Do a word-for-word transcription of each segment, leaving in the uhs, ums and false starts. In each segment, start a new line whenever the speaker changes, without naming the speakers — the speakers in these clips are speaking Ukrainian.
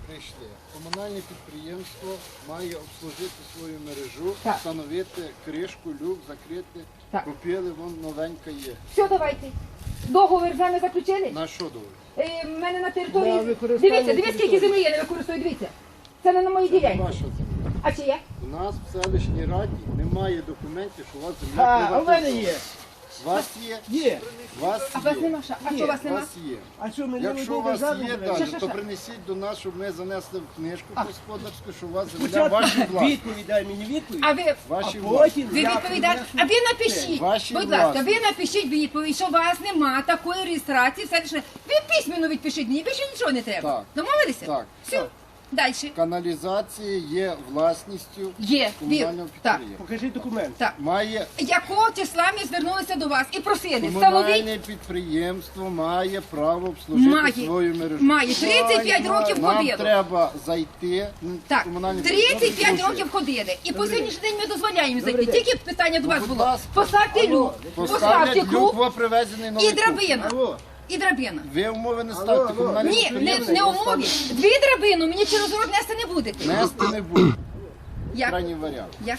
прийшли. Комунальне підприємство має обслужити свою мережу,
Так.
встановити кришку, люк, закрити.
Так.
Купили, вон новенька є.
Все, давайте. Договір з вами заключили?
На що довго?
Е, в мене на території...
На використання
Дивіться, дивіться, скільки землі я не використовую, дивіться. Це не на моїй ділянці.
Ваша земля.
А чи є?
У нас в селищній раді немає документів, що у вас земля
А, а в мене
приватизована.
є.
У вас є?
Є.
У вас
А у вас
є.
нема що? А що у вас
У
нема?
вас є.
А що, ми не
Якщо у
одну
вас
державу
є
беремо?
Що,
далі,
що,
то
що?
принесіть до нас, щоб ми занесли в книжку господарську, що у вас земля
Спочатку
ваші власні.
відповідь, дай мені відповідь,
А ви...
Ваші
а
власні.
потім
Ви
я
відповідаєте, а
принесу.
ви напишіть,
Ваші
будь ласка,
власні.
ви напишіть відповідь, що у вас нема такої реєстрації, все лише. Ви письменно відпишіть мені, більше нічого не треба.
Так.
Домовилися?
Так.
Все,
Так.
далі.
Каналізація є власністю
Є,
комунального
вір. Так.
підприємства.
Покажи документ.
Так.
Має
Якого числа ми звернулися до вас і просили, встановіть,
комунальне підприємство має право обслужити
Має.
свою мережу.
Має. тридцять п'ять років
Нам
ходило.
треба зайти. ну,
Так,
комунальне
тридцять п'ять
підприємство
років ходили. І по сьогоднішній день ми дозволяємо їм зайти.
день.
Тільки питання до вас
будь
було.
ласка.
Поставте люк, поставте
Поставлять люк,
круг
во привезений новий
і драбина.
Алло.
І драбина.
Ви умови не ставте. комунальне
Ні, не,
підприємство
не умові. Дві драбину мені через рот нести не будете.
Нести не буде.
Як?
Крайній варіант.
Як?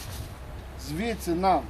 Звідси нам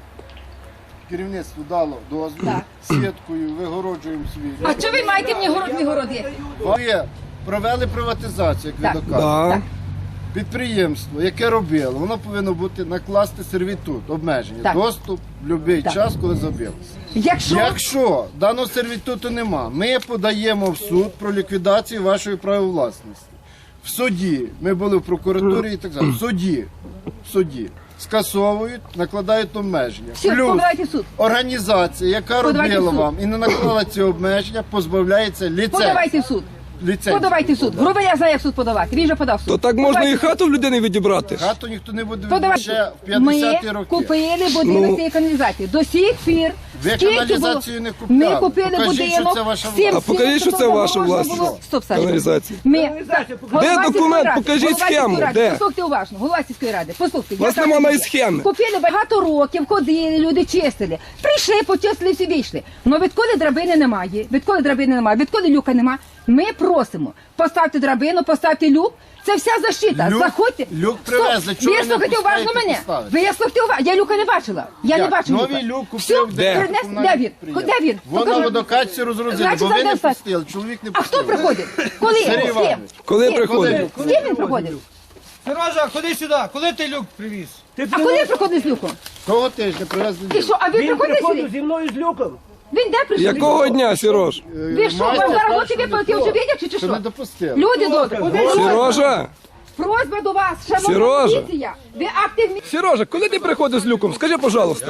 керівництво дало дозвіл.
Так.
Сіткою вигороджуємо свій.
А що ви маєте мені город, мій город є?
Ви провели приватизацію, як
Так.
ви доказуєте.
Так.
Підприємство, яке робило, воно повинно бути накласти сервітут, обмеження,
Так.
доступ в будь-який
Так.
час, коли забилося.
Якщо
Якщо даного сервітуту нема, ми подаємо в суд про ліквідацію вашої правовласності. В суді, ми були в прокуратурі і так далі. В суді, в суді скасовують, накладають обмеження.
все,
Плюс
подавайте в суд.
організація, яка
Подавайте в
робила
суд.
вам і не наклала ці обмеження, позбавляється ліцензії.
Подавайте в суд.
Ліцензії.
Подавайте в суд. Грубо я знаю, як в суд подавати. Він вже подав в суд.
То так можна і
Подавайте.
хату в людини відібрати.
Хату ніхто не буде
Подавайте.
ще в п'ятдесяті
Ми
роки.
купили будинок
Ну.
цієї каналізації. До сих пір.
Ви
скільки
каналізацію
було?
не купляли.
Ми купили
Покажіть,
будинок.
що це ваша
всім
власність.
А покажіть, що це
всім
ваша
можна
власність.
було- Стоп, Саша.
Каналізації.
Ми...
Каналізація,
Голова
Де
сільської
документ?
ради,
Покажіть
голова сільської
схему.
ради.
Де?
Послухайте уважно. Голова сільської ради. Послухайте.
Вас
я
нема
кажу,
навіть схеми.
Купили багато років, ходили, люди чистили. Прийшли, почистили, всі вийшли. Но відколи драбини немає, відколи драбини немає, відколи люка немає, ми просимо. Поставте драбину, поставте люк. Це вся защита.
Люк-
Заходьте.
люк
Стоп.
привезли. Чого ви не
слухайте уважно
пускаєте
мене.
поставити?
Ви слухайте уважно. Я люка не бачила. Я не
Як?
бачу
Новий
люка.
люк
Все,
купив
Де?
принес-
комунальне
Де він?
підприємство.
Де він?
Вона
Покажи.
водокачці розгрузили,
Значить,
бо ви не
завдав
пустили, чоловік не
А
пустив.
хто приходить? Коли?
Сергій
З ким?
Іванович.
Коли
З ким?
приходить?
З ким він приходить?
Сережа, ходи сюди, коли ти люк привіз?
Ти
А коли приходить з люком?
Того тижня привезли
І
люк.
що, а ви
Він
приходите
приходив
сюди?
зі мною з люком.
Він де прийшов?
Якого дня, Сірож?
Ви що,
Майстер
вам зараз
каже,
очі
що не
випалки
то.
вже видять, чи, чи
Що
що?
не допустили.
Люди добрі,
Сережа?
просьба до вас, шановна
Сережа.
поліція, ви активні.
Сережа, коли ти приходиш з люком? Скажи, пожалуйста.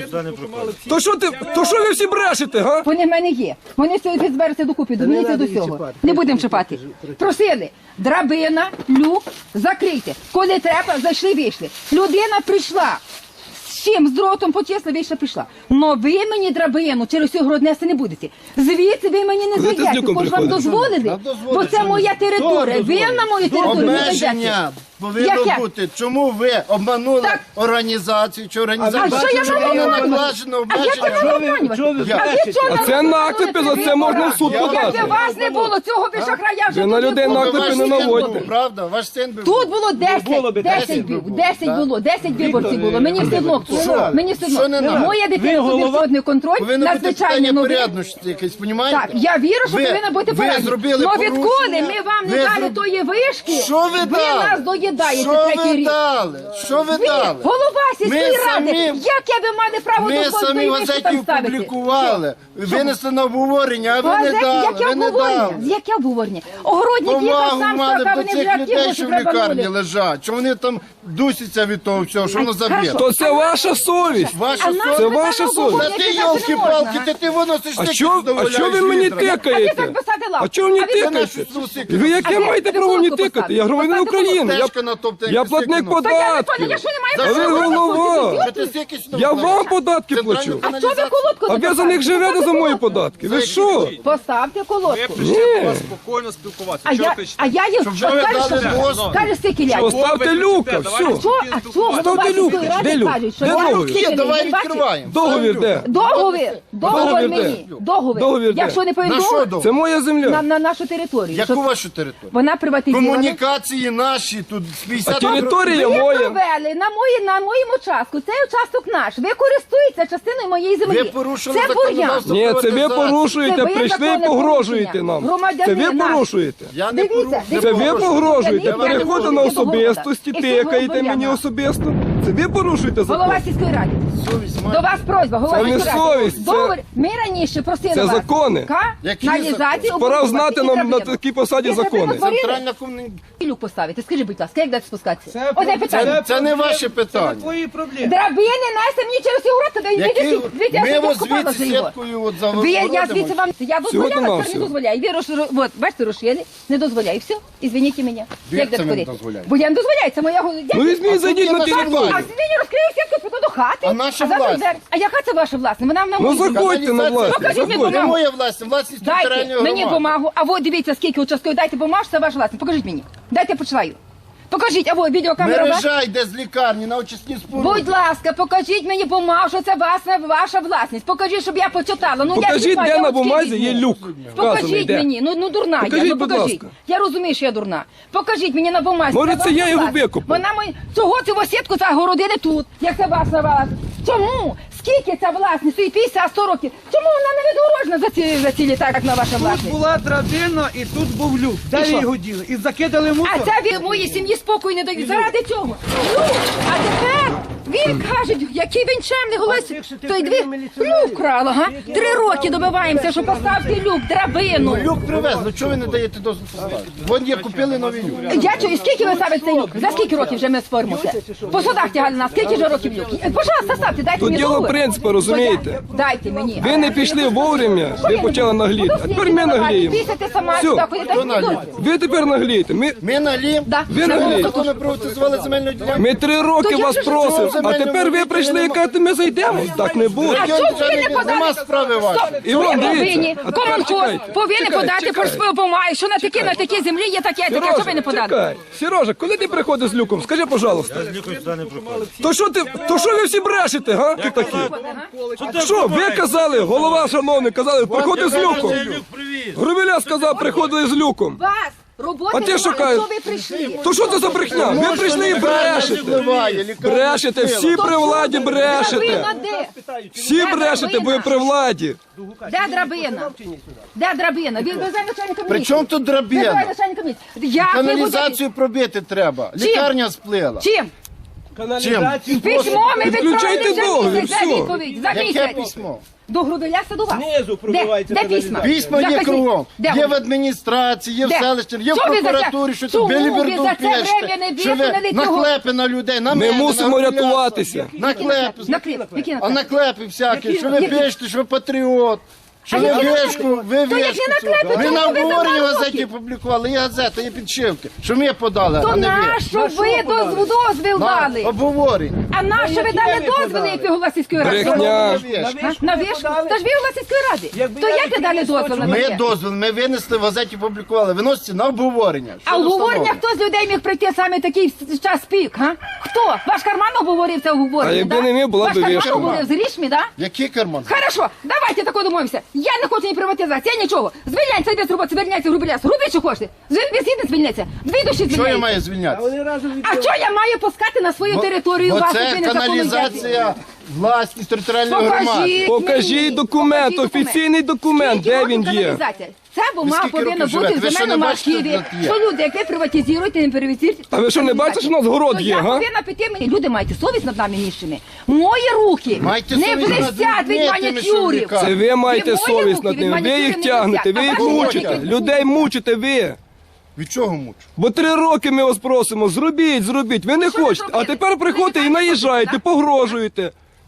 То що ти, то що ви всі брешете, га?
Вони в мене є. Вони все збереться докупи, до мені це до цього. Не будемо чіпати. Просили, драбина, люк, закрийте. Коли треба, зайшли, вийшли. Людина прийшла. З чим? З дротом почесла, вийшла, прийшла. Но ви мені драбину через цю город нести не будете. Звідси ви мені не
Коли ти з
зайдете,
люком
бо ж вам
приходиш?
дозволили.
Нам дозволили,
Бо це
що
моя
ні.
територія.
Хто
Ви
дозволив?
на мою територію не зайдете.
Обмеження повинно
Яке?
бути. Чому ви обманули
Так.
організацію чи
А
організацію?
що я
Чому
маю
не
обманювати?
накладено
А як
обмеження?
ви мене обманювати?
Чого ви
Я-
А ви
брешете?
чого
А
мене
це
обманювати?
наклепи, за це можна в суд
Я-
Якби
подати.
вас не було, цього би шахрая вже
Ви на
тут
людей
не було.
наклепи
Ваш
не
син
наводьте.
був, правда? Ваш син би
Тут
був.
було десять,
було би
десять
десять
було,
було,
десять
так?
було, десять виборців було. Мені все одно хто.
Що?
Мені все
Що не
одно.
надо?
Моя
Ви
дитина собі
голова?
входний контроль,
Повинно бути
надзвичайно
питання
новий.
порядності якесь, понімаєте?
Так, я вірю, що
Ви-
повинна бути
ви
порядність.
зробили
Но відколи
порушення,
ми вам не
ви
дали
зроб-
тої вишки,
Що ви дали?
нас доїдаєте
Що
третій
ви
рік.
дали? Що ви
Ви,
дали?
голова сільської
Ми
ради,
самі-
як я би мали право
Ми
до
самі
кожної
в
вишки
газеті
там ставити?
опублікували, винесли на обговорення, а ви не
Газеті,
дали,
яке
ви не
обговорення?
дали.
Яке обговорення? Огородник їхав
Повагу
сам
мали
сказав,
до
вони вже
цих людей,
активно
що в лікарні
штрабанули.
лежать, що вони там дусяться від того всього, що воно
Ай,
забито.
хорошо.
То це ваша совість.
Ваша
А нам
совість.
Це
би
ваша
там
совість.
Та
обговорення
ти,
казати не
йолки-палки,
можна.
ти, ти виносиш
А
тільки
що, а
задоволяєш
що ви мені
вітра.
А ти
тикаєте?
так посади лавку.
А чого мені
А ви
тикаєте?
знаєш,
що трусики?
Ви яке
А ви
маєте
ти
право мені
колодку
тикати? Я
поставте.
громадянин
Поставте
України,
Теж
я
трошки натоптаєте.
Я платник
Та я не
податків.
поняла, якщо немає
А ви
права,
голова.
Що ти стільки сюди
Я
вкладаєш?
вам податки
Центральну
плачу.
А що ви колодку
А ви за них живете за мої податки. Ви що?
Поставте колодку.
Ні.
Спокійно спілкуватися.
А я, а я їм
ви дали дозвіл.
каже, скільки
Що,
лять.
ставте люка, все.
Що, а що голова
Ставте люк.
сільської
Де
ради
люк?
кажуть, що
Де
я
договір?
скільки
Є, давай
не бачиш?
відкриваємо.
Договір де?
Договір, договір
Договір
мені,
де?
договір.
Договір де?
Якщо не
На що
повідомив,
договір?
Це моя
на,
земля.
на нашу територію.
Яку
Щоб
вашу територію?
вона приватизована.
Комунікації наші, тут з
А
п'ятдесят
територія
Ви
моя.
провели на, мої, на моєму участку, цей участок наш. Ви користуєтеся частиною моєї землі.
Ви порушили
Це бур'ян.
законодавство.
Ні, це ви
Приватизація.
порушуєте,
Це ви
прийшли і
законне
погрожуєте
порушення.
нам.
Громадяни
Це ви
наші.
порушуєте.
Я не
Дивіться,
порушую.
дивіться.
Це ви
порушую.
погрожуєте,
Я не
переходите
порушую.
на
Я не
особистості,
говорила. І
тикаєте
цього
мені
бур'яна.
особисто. Це ви порушуєте закон.
Голова сільської ради.
Совість
До
має.
вас просьба, голова
Це не
сільської ради.
совість, це-
Договір. Ми раніше просили
Це
вас.
закони.
Ка?
Які
Каналізацію
закони?
Пора
оборудувати
знати
і
нам на
драбину.
такій посаді
Якщо
закони.
ви натворили,
Центральна комунікація.
люк поставити. Скажи, будь ласка, як дати спускатися?
Це
Одне
про-
питання.
Це не ваше
Це
питання.
твої проблеми.
Драбини несе мені через сігурати, да
Які
йдіть, звідти, я
ми
вже
ось
купала за
звідси
його.
сіткою от
Ви, я
загородимо.
звідси вам, я дозволяла,
Всього-то
тепер не
навсього.
дозволяю. Ви рош, от, бачите, розшили, не дозволяю. Все, ізвиніть мене.
Ви
Як
це
це
не
творити?
дозволяєте.
Бо я не дозволяю, це моя голова.
Ну візьміть, зайдіть на
наша
територію.
влада.
А сьогодні розкрию сітку, піду до хати.
А наша
завтра
власть?
двері. А яка це ваша власність? Вона на
Ну
моїй землі.
заходьте на власність.
Покажіть мені
заходьте.
Це
бумагу.
моя власність, власність
Дайте
територіальної
мені
громади.
бумагу, а от дивіться, скільки участків, дайте бумагу, що це ваша власність. Покажіть мені. Дайте я почитаю. Покажіть, а от відеокамера ваша.
Мережа йде з лікарні на очисні споруди.
Будь ласка, покажіть мені бумагу, що це ваша, ваша власність. Покажіть, щоб я почитала. Ну, я
Покажіть,
читаю,
де
я
на
очки
бумазі
візьму.
є люк. Вказаний,
Покажіть
де.
мені, ну, ну дурна
Покажіть,
я, ну
будь
покажіть.
ласка.
Я розумію, що я дурна. Покажіть мені на бумазі.
Може,
це
це я
ваша
його
власність.
викупив?
Вона мої... Чого цю сітку загородили тут, як це ваша власність? Чому? Скільки ця власність? Стоїть п'ятдесят сто років. Чому вона не відгорожена за ці, за ці літа, як на ваша
Тут
власність?
була драбина і тут був люк. Де
І
ви
що?
його діли? І закидали
А
мусор.
це від моїй сім'ї спокою не дають. Заради цього. Ну, а тепер він каже, який він чемний голос.
А якщо ти
Той дві
прийняв міліціонерів?
люк крала, га? Три роки добиваємося, що поставте люк, драбину.
Люк привезли, чого ви не даєте дозвіл поставити? Вон є, купили новий люк.
Я чую, скільки ви ставите цей люк? За скільки років вже ми споримося? По судах тягали нас, скільки вже років люк? Пожалуйста, ставте, дайте
Тут
мені
діло
договір.
принципу, розумієте?
Дайте мені.
Ви не пішли вовремя,
Що
ви
я не
почали
буду?
нагліти. А
Буду
тепер
слідчі
ми
давати,
нагліємо.
Пісяти сама
Всьо.
сюди, ходите,
Хто нагліє?
Ви тепер наглієте. Ми,
Ми налім.
Да.
ви
Це
наглієте.
було
Законно приватизували земельну ділянку.
ми три роки
То я
вас
вже
просимо,
живу.
а тепер ви прийшли і кажете, ми зайдемо. Так не буде.
А чому ви не подали?
Нема справи вашої.
Іван,
Ви
дивіться.
повинні,
А тепер
комунхоз
чекайте,
повинен
чекайте,
подати
чекайте.
про помаю, що на такі, на такі землі є таке, таке, що ви не подали?
чекай. Сережа, коли ти приходиш з люком, скажи, пожалуйста. То що ти, то що ви всі брешете, га? Тут такі. Що, ви казали, голова шановний, казали, приходи з люком. Грубіля сказав, приходили з люком.
Вас роботи
А ти що
немає,
кажеш?
що ви прийшли?
То що це за брехня? Ви прийшли і брешете.
Впливає, лікарня
Брешете, всі при владі брешете.
Драбина де?
Всі брешете, бо ви при владі.
Де драбина? Де драбина? Він везе начальника
При
міліції.
чому тут
Визиває
драбина?
начальника міліції. Як ви
Каналізацію пробити треба.
Чим?
Лікарня сплила.
будете? Чим?
Каналізацію.
Письмо ми
Відключайте
відправили за
договір,
місяць, за
все.
відповідь, за
Яке
місяць.
письмо?
До Грубеля до вас.
Знизу
Де?
пробивається
Де
каналізація.
письма?
Письма є
Закажіть.
кругом.
Де
Є
вони?
в адміністрації, є в
Де?
селищі, є в
Що ви за це-
прокуратурі, що
Чому
тут
ви
біліберду
за це время
п'єште.
не
Що ви
висунули цього?
наклепи на людей, на
Ми
мене,
мусимо
на Гуляса.
рятуватися.
Наклепи.
Наклеп, які
А
наклеп?
наклепи всякі, що ви
Які?
пишете, що ви патріот. Що
А
ви
які
вишку, ви
То які
вишку.
наклепи?
Ми
Чому
на
ви
обговоренні в
за два
газеті
роки?
публікували, є газета, є підшивки. Що ми подали,
То
а не ви.
нащо ви доз- дозвіл
На
дали?
обговорення.
А нащо ви
які
дали
ви
дозвіл,
подали?
як ви голова сільської ради?
Брехня.
А? На вишку? Та ж ви голова сільської ради.
Якби
То
я
як ви дали
відповів,
дозвіл на
Ми
таке?
дозвіл, ми винесли в газеті, публікували. Виноситься на обговорення.
А
Що
обговорення
встановлено?
хто з людей міг прийти саме такий в час пік, га? Хто? Ваш карман обговорив це обговорення,
А якби
да?
не ми, була
Ваш
б
карман
вишка.
обговорив з грішми, да?
Який карман?
Хорошо, давайте тако домовимося. Я не хочу ні приватизації, я нічого. Звільняйся без роботи, звільняйся грубіляс. Руби, що хочете. Звільняйся, звільняйся. Дві душі
Що я
звільняйся.
маю
А
звільнятися?
вони разом від...
А що я маю пускати на свою територію
Бо
вас?
це
якби незаконно взяти?
каналізація власність територіальної громади.
Покажіть
Покажіть
мені.
документ,
Покажіть
офіційний документ,
Скільки
де
років
він є.
каналізація? Ця бумага
скільки
повинна
років
бути
живете?
в
Ви що,
земельному
не бачите,
архіві,
що тут є?
що люди, які приватизують і не приватизують.
А ви що, не бачите, що у нас город
То
є,
я
га?
повинна піти мені. Люди, маєте совість над нами ніщими. Мої руки
Маєте
не
совість над
блистять від
людьми, тими, що
манікюрів.
віками.
Це ви маєте
мої
совість
руки
над
від
ними, ви
манікюрів
їх
не
тягнете,
блистять,
ви
а
їх
ваші
мучите,
руки.
людей мучите ви.
Від чого мучу?
Бо три роки ми вас просимо, зробіть, зробіть, ви не
Що ви
хочете. А
зробили?
тепер приходите
Ви
і
не
наїжджаєте,
так?
погрожуєте.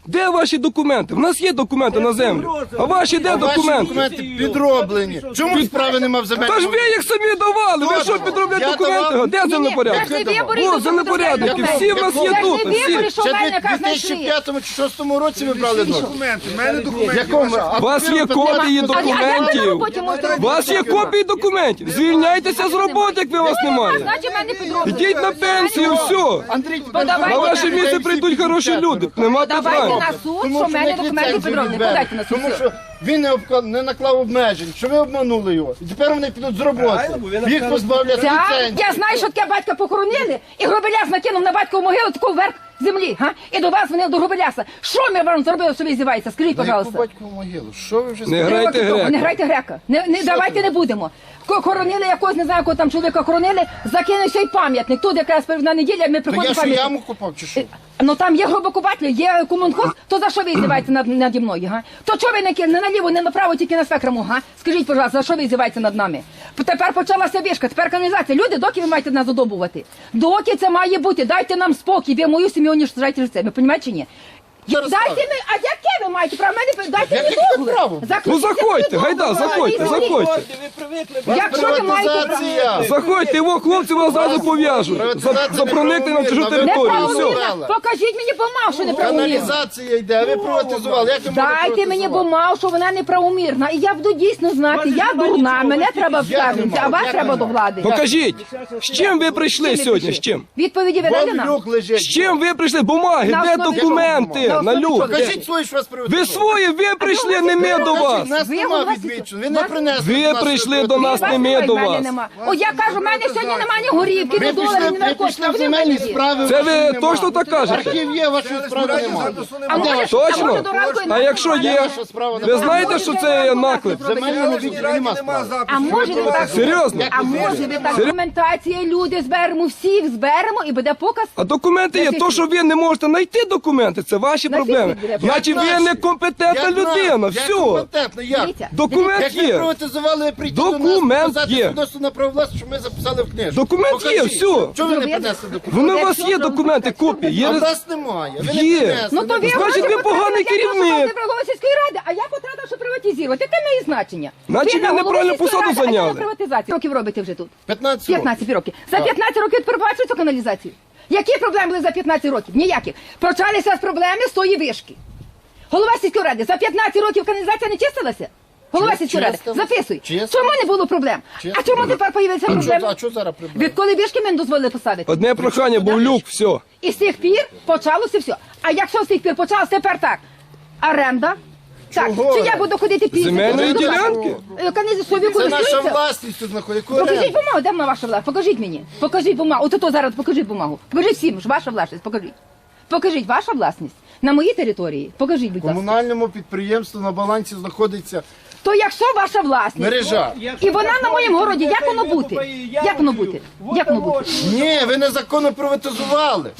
Де ваші документи? В нас є документи на землю. А ваші де
Ваші
документи?
документи підроблені. Чому справи нема в земельному?
Та ж ви їх самі давали. Ви що підробляєте
Я
документи?
давав.
Де землепорядки?
Це ж не вибори,
О,
то
землепорядники.
документи.
Всі в нас є
Це ж
тут.
не вибори,
Всі.
що
Ще
в мене
в
яка
дві тисячі
знайшли.
п'ятому чи шостому році ми брали дозвіл.
Документи, в мене документи.
Якому?
У вас є копії документів. У вас є копії документів. Звільняйтеся з роботи, як ви вас немає.
Значить, мене підробили.
Ідіть на пенсію, все.
Андрій,
Подавайте
На ваше
на-
місце прийдуть хороші люди. Нема
Давайте
питань.
на суд,
Тому
що в
що
мене
в них
документи
ліцензію
підроблені.
відберуть.
Подайте на суд.
Тому що він не, обка- не наклав обмежень, що ви обманули його. І тепер вони підуть з роботи. Їх позбавлять
Ця,
ліцензії.
я знаю, що таке батька похоронили, і Гробеляс накинув на батькову могилу таку вверх землі, га? І до вас вони до Гробеляса. Що ми вам зробили, що ви зіваєтеся? Скажіть,
На яку
пожалуйста.
батькову могилу? Що ви вже
Не
сказали?
грайте
Роки тому.
грека.
Не грайте грека. Не, не, давайте не будемо. Ко- Хоронили якогось, не знаю, кого там чоловіка хоронили, закинувся й пам'ятник. Тут якраз передна неділя, ми
То я
приходимо
що
пам'ятник.
яму купав чи що?
Ну там є гробокупателі, є комунхоз, то за що ви здіваєтеся над, наді мною, га? То чого ви не, ки- не наліво, не направо, тільки на свекрому, га? Скажіть, пожалуйста, за що ви здіваєтеся над нами? П- Тепер почалася вишка, тепер каналізація. Люди, доки ви маєте нас задобувати? Доки це має бути? Дайте нам спокій, ви мою сім'ю уніштожаєте життя. Ви розумієте чи ні?
Зараз
Дайте
скажу.
ми, а яке ви маєте право? Мене дайте
Яке
мені договір.
право?
Заключіть
Ну заходьте,
договір.
гайда, заходьте, заходьте.
Ви привикли.
Якщо ви маєте право.
Приватизація.
Заходьте, його хлопці вас зразу пов'яжуть. За, за проникнення на чужу територію. Все.
Неправомірно. Покажіть мені бумагу, що неправомірно.
Каналізація йде, а ви приватизували. Як ви можете
Дайте мені
приватизувати?
бумагу, що вона неправомірна. І я буду дійсно знати, я дурна, мене треба вставити, а вас
Як
треба
нема?
до влади.
Покажіть, з чим ви прийшли сьогодні? З чим?
Відповіді ви дали
Вон
нам?
люк лежить.
З чим ви прийшли? Бумаги,
На
де
основі
документи?
чого?
На люк.
Покажіть свої, що вас
Ви
приватизували.
свої, ви прийшли, не ми до вас.
Нас
Ви
нема
голова
відмічено, ви не
вас-
принесли.
Ви
до нас
прийшли до
приватизацію.
нас, не ми
немає,
до
в мене
вас.
нема. О, я кажу, в мене сьогодні немає ні горівки, ні
Ви
доларів,
пішли,
ні
ви
наркотиків.
пішли
А
в
ви
земельні
в мене є.
справи.
Це
вашої
ви
нема.
точно так кажете?
Архів є, вашої справи немає.
А може, а
Точно?
може до ранку і
А
на-
якщо є?
Ваша справа
Ви
немає.
знаєте, що це є наклеп?
В земельному відділі нема справи.
А може ви так?
Серйозно?
А може ви так? Документація, люди зберемо, всіх зберемо і буде показ.
А документи є. То, що ви не можете знайти документи, це ваші
На
проблеми.
фіфі буде.
Значить, ви
Як
некомпетентна
Як
людина.
нас? Як
Все.
компетентно, як?
Дивіться,
Документ
Як ви
є.
приватизували, ви прийти до нас,
Документ
показати
є.
свідоцтво на право власності, що ми записали в книжку.
Документ є,
Покажіть.
все.
Чого ви не
Зробили.
принесли документи?
Вони у вас є документи, копії. Є
А
роз-
в нас немає. Ви не
Є.
принесли.
Ну то ви
не-
Значить,
гроші
ви поганий
потратили, я
керівник.
прошу вас не сільської ради, а я потратила, що приватизувати. Яке має значення?
Значить, ви
на голову
неправильну
сільської
посаду
ради, а я
зайняли.
на приватизації. Років робите вже тут?
п'ятнадцять років.
п'ятнадцять років. За п'ятнадцять років перебачили цю каналізацію. Які проблеми були за п'ятнадцять років? Ніяких. Почалися з проблеми з тої вишки. Голова сільської ради, за п'ятнадцять років каналізація не чистилася? Голова
Чи-
сільської ради,
чистила.
записуй.
Чистила.
Чому не було проблем?
Чистила.
А чому тепер появилися
А що-
проблеми?
А що зараз проблема?
Відколи вишки ми не дозволили поставити?
Одне прохання, був люк, все.
І з тих пір почалося все. А якщо з тих пір почалося, тепер так. Оренда. Так,
Чого?
чи я буду ходити після?
Земельної ділянки?
Канізі собі
Це наша
користуються?
власність тут знаходиться.
Покажіть бумагу, де вона ваша власність? Покажіть мені. Покажіть бумагу. От ото зараз покажіть бумагу. Покажіть всім, що ваша власність. Покажіть. Покажіть, ваша власність. На моїй території. Покажіть, будь ласка.
Комунальному підприємству на балансі знаходиться
То якщо ваша власність,
мережа.
і вона на моєму городі, як воно бути? Як воно бути? Як воно бути?
Ні, ви незаконно приватизували.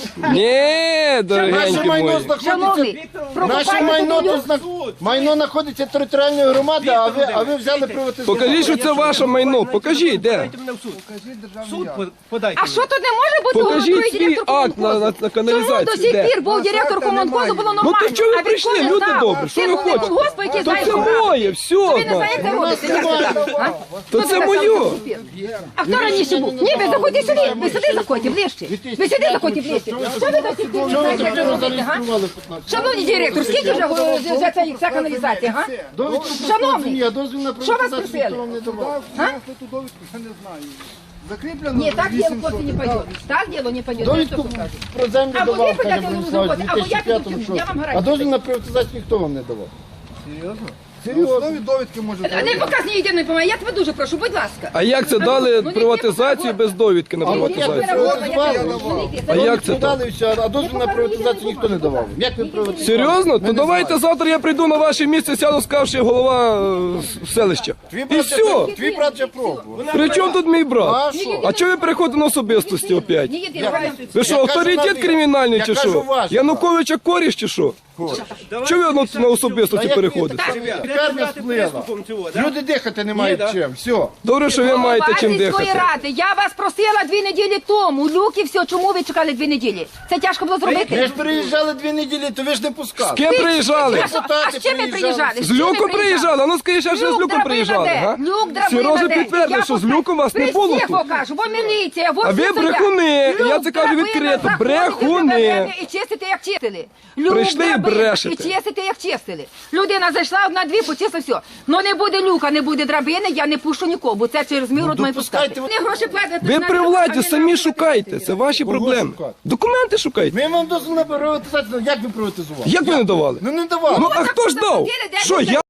Ні,
Наше
дорогенькі
майно
мої.
знаходиться.
Шановний,
Наше
прокопайте
майно
землю.
тут зна- майно знаходиться територіальної громади, а ви, а ви взяли приватизувати.
Покажіть, що це ваше майно. Покажіть, де.
Подайте мене в суд. Суд по- подайте.
А що тут не може бути
Покажіть
головою
свій
директор
акт на-
комунхозу?
на- на каналізацію.
Чому до сих
Де?
пір був директор комунхозу, було нормально?
Ну, то чого ви
А
прийшли?
відколи
Люди
знав?
добрі, що
Ти
ви
головний
хочете?
колгоспу, який
То
знає,
це
що робити.
моє, все.
Ви не знаєте, як робити, як це так? А?
То
Хто
це
тебе
моє.
сам купив? А хто раніше був? Ні, ви заходьте сюди, ви сюди заходьте, ближче. Ви сюди заходьте, ближче. Що ви до сих пір не
Чого ви
знаєте, як
так
це робити, га?
зареєстрували в п'ятнадцять?
Шановний директор, скільки вже е, вже ця, ця каналізація, га?
Довідку про
Шановний,
землі, а дозвіл на
що вас
приватизацію
просили?
ніхто вам не давав.
Ту довідку я не знаю. Закріплено
Ні, так діло,
вісімсот.
хлопці, не пойде. Так діло не пойде.
Довідку про землю
Або
давав,
ви
каже
подайте
Бронислав,
на
в
роботу, або я
2005-му,
піду,
що?
я вам
А
гарантію.
дозвіл на приватизацію ніхто вам не давав.
Серйозно? На основі довідки може
Не показ ні єдиної помоги, я тебе дуже прошу, будь ласка.
А як це дали приватизацію без довідки на приватизацію?
А
як це
Дали і все, а дозвіл на приватизацію ніхто не давав. Як ви приватизували?
Серйозно? То давайте завтра я прийду на ваше місце, сяду, скажучи голова е, с- селища.
Твій
І
брат
все.
вже- Твій брат вже пробував.
При чому тут мій брат?
А що?
А чого ви переходите на особистості опять?
Ні єдиної.
Ви що,
Я кажу,
авторитет
навіть-
кримінальний
я
чи
кажу,
що?
ваш.
Януковича коріш чи що? Чого ви на, на особистості
як
переходите?
Лікарня сплила. Люди дихати не мають чим. Все.
Добре, що ви маєте чим
Голова сільської
дихати.
ради, я вас просила дві неділі тому. Люки, все, чому ви чекали дві неділі? Це тяжко було
Ви
зробити.
ж приїжджали дві неділі, то ви ж не пускали.
З ким приїжджали?
А що- А з чим ви приїжджали?
З Люком приїжджали? А ну скажи, ще ж з
Люк
Люком
драбина
приїжджали,
де?
га?
Люк драбина
Сережа
де?
підтвердив,
Я
що з
покажу.
Люком вас не було
При всіх
тут.
покажу, бо міліція, во
А
всі
ви
стоять.
брехуни.
Люк
Я це кажу
драбина,
відкрито.
заходите
Брехуни.
в драбину І чистите, як чистили. Люк
Прийшли і
драбина,
брешете.
І чистите, як чистили. Людина зайшла одна дві, почистила все. Ну не буде люка, не буде драбини, я не пущу нікого, бо це через мій рот має
допускайте
пускати. Вони гроші платять.
Ви
на
при
люк,
владі
а не
самі
на-
шукайте. Це ваші проблеми.
шукати?
Документи шукайте.
Ми вам дозволили приватизацію. Як ви приватизували?
Як ви не давали?
Ну не давали.
Ну а хто ж дав? Що, я